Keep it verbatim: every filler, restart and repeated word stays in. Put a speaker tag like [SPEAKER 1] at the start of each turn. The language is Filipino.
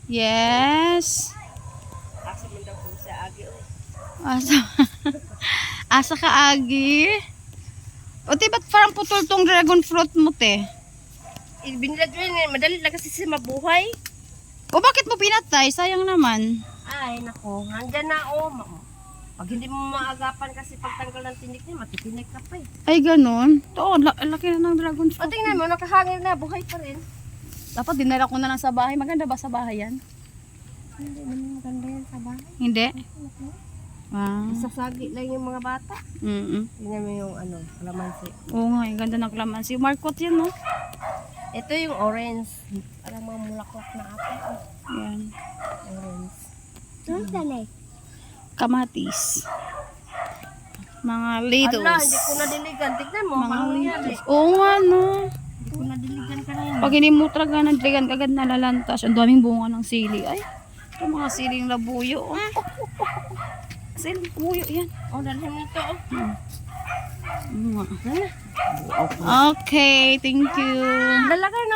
[SPEAKER 1] Yes.
[SPEAKER 2] Asa man daw kung sa agi. Oh.
[SPEAKER 1] Asa, asa ka, Agi? O, di ba't parang putol tong dragon fruit mo, te?
[SPEAKER 2] Ibinilad mo yun, madali lang kasi siya mabuhay.
[SPEAKER 1] O, bakit mo pinatay? Sayang naman.
[SPEAKER 2] Ay, nako, nandyan na oh. Ma- Pag hindi mo maagapan kasi pagtanggal ng tinik niya, matitinik ka pa eh.
[SPEAKER 1] Ay, ganun. To, la- laki na ng dragon
[SPEAKER 2] O
[SPEAKER 1] fruit.
[SPEAKER 2] tingnan mo, nakahangin na, buhay pa rin.
[SPEAKER 1] Dapat dinala ko na lang sa bahay. Maganda ba sa bahay yan?
[SPEAKER 2] Hindi naman maganda yan sa bahay.
[SPEAKER 1] Hindi? Wow.
[SPEAKER 2] Isasagi lang yung mga bata.
[SPEAKER 1] Mm-mm.
[SPEAKER 2] Tingnan mo yung ano, kalamansi.
[SPEAKER 1] Oo nga, ang ganda ng kalamansi. Marcot yan, no?
[SPEAKER 2] Ito yung orange. Parang mga mulaklak na apple.
[SPEAKER 1] Yan.
[SPEAKER 2] Orange. Saan tanay?
[SPEAKER 1] Kamatis. Mga
[SPEAKER 2] Ala,
[SPEAKER 1] littles.
[SPEAKER 2] hindi ko nadiligan. Tignan mo,
[SPEAKER 1] Mga
[SPEAKER 2] parang nangyari.
[SPEAKER 1] littles. Oo nga, no?
[SPEAKER 2] Hindi ko nadiligan ka na yan.
[SPEAKER 1] Pag hindi mo talaga nagdigan, agad nalalantas. Ang daming bunga ng sili. Ay, ito mga siling labuyo. Oh. Siling labuyo, yan.
[SPEAKER 2] Oh, dalhin mo ito. Oh.
[SPEAKER 1] Mm. Okay, thank you.
[SPEAKER 2] Lalagay na.